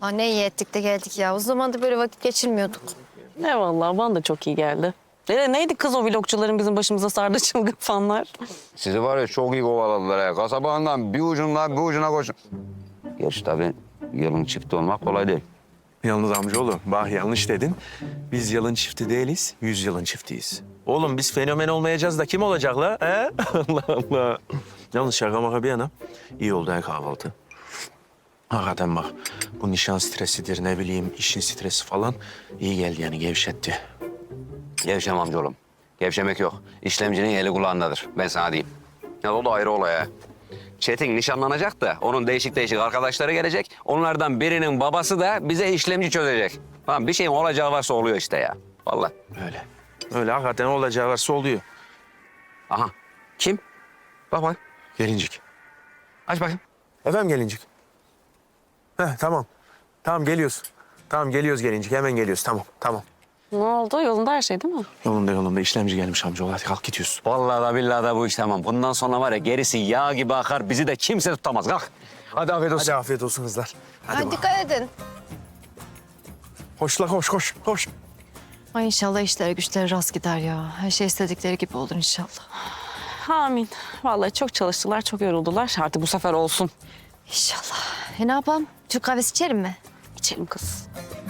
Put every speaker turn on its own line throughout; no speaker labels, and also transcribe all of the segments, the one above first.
Ha, ne iyi ettik de geldik ya. O zaman da böyle vakit geçirmiyorduk.
Ne vallahi bana da çok iyi geldi. Neydi kız o vlogçuların bizim başımıza sardı çılgın fanlar?
Sizi var ya çok iyi kovaladılar ya. Kasabandan bir ucundan bir ucuna koşun. Gerçi tabii yılın çifti olmak kolay değil.
Yalnız amcaoğlu, bak yanlış dedin. Biz yılın çifti değiliz, 100 yılın çiftiyiz. Oğlum biz fenomen olmayacağız da kim olacak la? He? Allah Allah. Yalnız şaka maka bir yana iyi oldu ha kahvaltı. Hakikaten bak bu nişan stresidir ne bileyim işin stresi falan iyi geldi yani gevşetti.
Gevşem amcaoğlum. Gevşemek yok. İşlemcinin eli kulağındadır. Ben sana diyeyim. Ya o da ayrı olay ha. Çetin nişanlanacak da onun değişik değişik arkadaşları gelecek. Onlardan birinin babası da bize işlemci çözecek. Tamam bir şeyin olacağı varsa oluyor işte ya. Vallahi.
Öyle. Öyle hakikaten olacağı varsa oluyor.
Aha. Kim? Bak bak.
Gelincik.
Aç bakayım.
Efendim gelincik. Tamam. Tamam geliyoruz. Tamam geliyoruz gelincik hemen geliyoruz tamam tamam.
Ne oldu? Yolunda her şey değil mi?
Yolunda işlemci gelmiş amcaoğlu hadi kalk gidiyoruz.
Vallahi da billahi da bu iş tamam. Bundan sonra var ya gerisi yağ gibi akar. Bizi de kimse tutamaz. Kalk. Hadi afiyet olsun.
Hadi afiyet olsun kızlar.
Hadi dikkat edin.
Koş la koş.
Ay inşallah işleri güçleri rast gider ya. Her şey istedikleri gibi olur inşallah.
Amin. Vallahi çok çalıştılar, çok yoruldular. Artık bu sefer olsun.
İnşallah. Ne yapalım? Türk kahvesi içelim mi?
İçelim kız.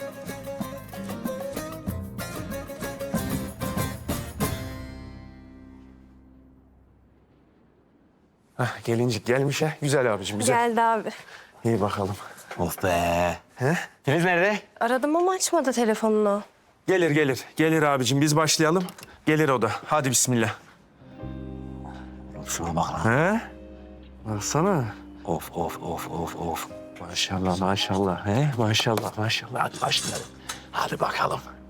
Gelincik gelmiş ha. Güzel abicim güzel.
Geldi abi.
İyi bakalım.
Of be.
He?
Filiz nerede?
Aradım ama açmadı telefonunu.
Gelir abicim biz başlayalım. Gelir o da. Hadi bismillah.
Şuna bak lan.
He? Baksana.
Of.
Maşallah. He? Maşallah. Hadi başlayalım. Hadi bakalım.